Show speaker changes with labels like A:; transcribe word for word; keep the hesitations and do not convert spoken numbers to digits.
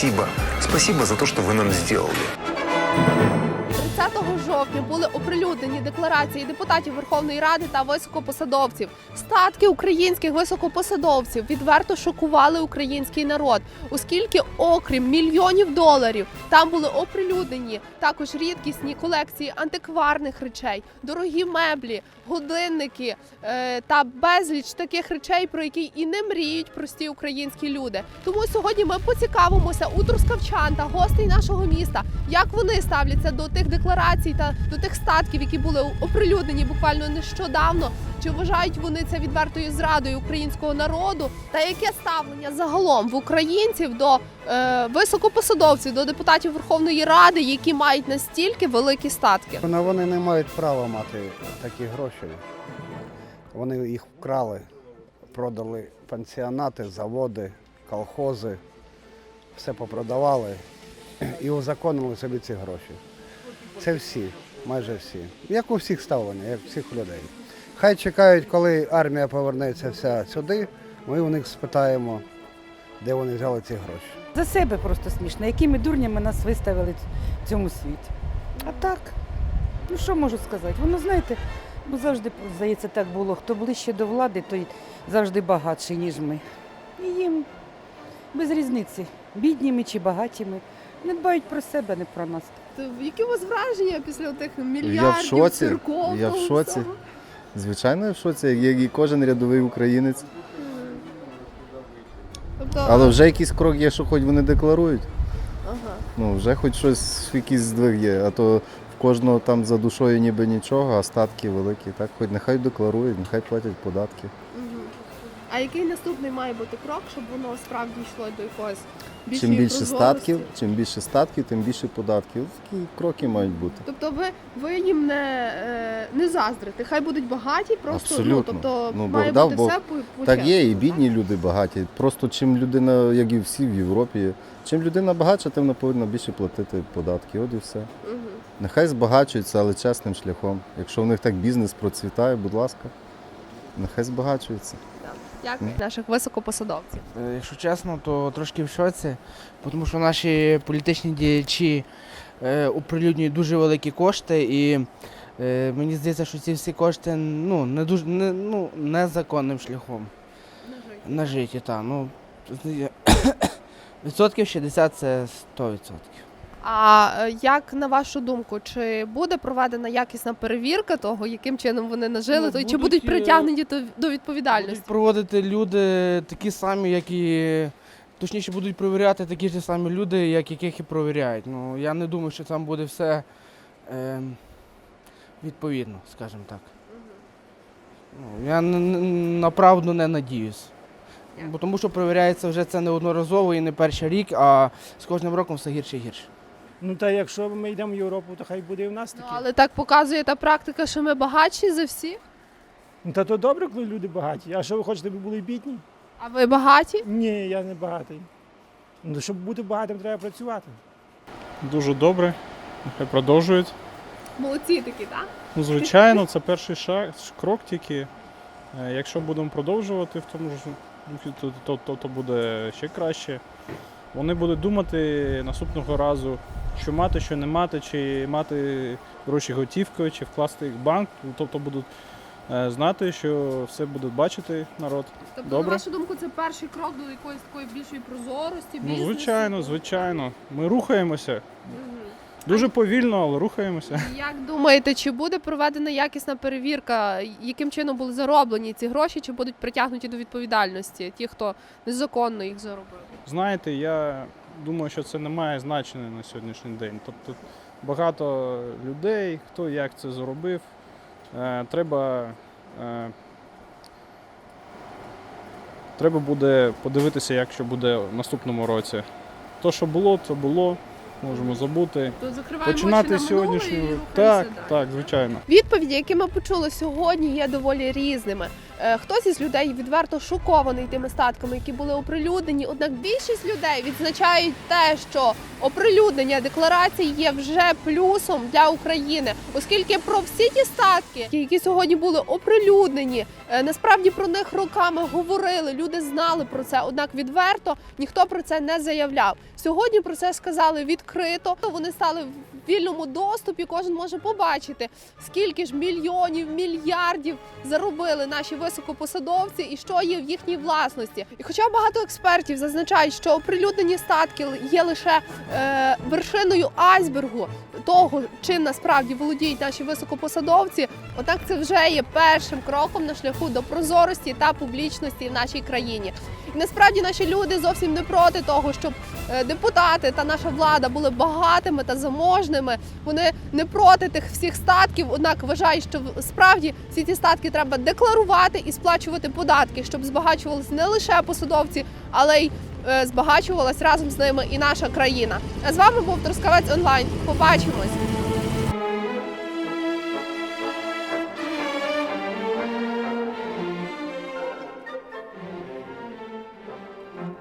A: спасибо. Спасибо за то, что вы нам сделали.
B: тридцятого жовтня були оприлюднені декларації депутатів Верховної Ради та високопосадовців. Статки українських високопосадовців відверто шокували український народ, оскільки окрім мільйонів доларів там були оприлюднені також рідкісні колекції антикварних речей, дорогі меблі, годинники е, та безліч таких речей, про які і не мріють прості українські люди. Тому сьогодні ми поцікавимося у трускавчан та гостей нашого міста, як вони ставляться до тих декларацій та до тих статків, які були оприлюднені буквально нещодавно. Чи вважають вони це відвертою зрадою українського народу? Та яке ставлення загалом в українців до е, високопосадовців, до депутатів Верховної Ради, які мають настільки великі статки?
C: Вони не мають права мати такі гроші. Вони їх вкрали, продали пансіонати, заводи, колхози, все попродавали і узаконили собі ці гроші. Це всі, майже всі. Як у всіх ставлення, як у всіх людей. Хай чекають, коли армія повернеться вся сюди, ми у них спитаємо, де вони взяли ці гроші.
D: За себе просто смішно, якими дурнями нас виставили в цьому світі. А так, ну що можу сказати? Воно, знаєте, ну завжди, здається, так було. Хто ближче до влади, той завжди багатший, ніж ми. І їм без різниці, бідніми чи багатіми. Не дбають про себе, не про нас.
B: То які у вас враження після тих мільярдів,
E: Я в шоці,
B: церковного
E: я в шоці.
B: всього?
E: Звичайно, я в шоці, як і кожен рядовий українець.
B: Тобто,
E: Але вже якийсь крок є, що хоч вони декларують.
B: ага.
E: Ну, вже хоч щось, якийсь здвиг є, а то в кожного там за душою ніби нічого, а статки великі. Так, хоч нехай декларують, нехай платять податки.
B: Мгм. А який наступний має бути крок, щоб воно справді йшло до якогось більшої
E: Чим більше
B: прозорості?
E: статків, чим більше статків, тим більше податків. Такі кроки мають бути.
B: Тобто ви, ви їм не, е, не заздрите, хай будуть багаті, просто
E: Абсолютно.
B: ну, тобто
E: Ну,
B: має
E: Бог дав,
B: бути
E: Бог.
B: все по, по
E: Так є, і
B: чесному,
E: бідні люди багаті. Просто чим людина, як і всі в Європі, чим людина багатша, тим вона повинна більше платити податки. От і все.
B: Мгм.
E: Нехай збагачуються, але чесним шляхом. Якщо в них так бізнес процвітає, будь ласка, нехай збагачуються.
B: Як наших високопосадовців?
F: Е, Якщо чесно, то трошки в шоці, тому що наші політичні діячі е, оприлюднюють дуже великі кошти, і е, мені здається, що ці всі кошти ну, не дуже не, ну, незаконним шляхом нажиті. Та, ну, відсотків шістдесят це сто відсотків.
B: А е, як на вашу думку, чи буде проведена якісна перевірка того, яким чином вони нажили,
F: Ну,
B: то, чи
F: будуть,
B: будуть
F: е,
B: притягнені до, до відповідальності?
F: Будуть проводити люди такі самі, як і точніше будуть перевіряти такі ж самі люди, як яких і перевіряють. Ну я не думаю, що там буде все е, відповідно, скажімо так. Ну, я н- н- направду не надіюсь. Бо тому що перевіряється вже це неодноразово і не перший рік, а з кожним роком все гірше і гірше.
G: Ну та якщо ми йдемо в Європу, то хай буде і в нас
B: Ну,
G: таке.
B: але так показує та практика, що ми багатші за всіх.
G: Ну та то добре, коли люди багаті. А що ви хочете, щоб були бідні?
B: А ви багаті?
G: Ні, я не багатий. Ну, щоб бути багатим, треба працювати.
H: Дуже добре, нехай продовжують.
B: Молодці такі, так?
H: Ну, звичайно, це перший шаг, крок тільки. Е, Якщо будемо продовжувати в тому ж, ну, то, то, то, то буде ще краще. Вони будуть думати наступного разу, що мати, що не мати, чи мати гроші готівкою, чи вкласти їх в банк. Тобто будуть е, знати, що все буде бачити народ.
B: Тобто,
H: Добре.
B: на вашу думку, це перший крок до якоїсь такої більшої прозорості,
H: Ну,
B: бізнесу?
H: звичайно, звичайно. Ми рухаємося.
B: Мгм.
H: Дуже повільно, але рухаємося.
B: Як думаєте, чи буде проведена якісна перевірка, яким чином були зароблені ці гроші, чи будуть притягнуті до відповідальності ті, хто незаконно їх заробив?
H: Знаєте, я думаю, що це не має значення на сьогоднішній день. Тобто багато людей, хто як це зробив, е, треба, е, треба буде подивитися, як що буде в наступному році. То, що було, то було, можемо забути.
B: То закриваємо
H: Починати
B: очі на минуле
H: сьогоднішню.
B: і рухаємося
H: Так,
B: далі.
H: так, звичайно.
B: Відповіді, які ми почули сьогодні, є доволі різними. Е, Хтось із людей відверто шокований тими статками, які були оприлюднені. Однак більшість людей відзначають те, що оприлюднення декларацій є вже плюсом для України, оскільки про всі ті статки, які сьогодні були оприлюднені, е, насправді про них роками говорили, люди знали про це, однак відверто ніхто про це не заявляв. Сьогодні про це сказали відкрито, вони стали в вільному доступі, кожен може побачити, скільки ж мільйонів, мільярдів заробили наші високопосадовці і що є в їхній власності. І хоча багато експертів зазначають, що оприлюднені статки є лише е, вершиною айсбергу того, чим насправді володіють наші високопосадовці, однак це вже є першим кроком на шляху до прозорості та публічності в нашій країні. І насправді наші люди зовсім не проти того, щоб е, депутати та наша влада були багатими та заможними. Вони не проти тих всіх статків, однак вважають, що справді всі ці статки треба декларувати і сплачувати податки, щоб збагачувалися не лише посадовці, але й е, збагачувалась разом з ними і наша країна. А з вами був Трускавець онлайн. Побачимось!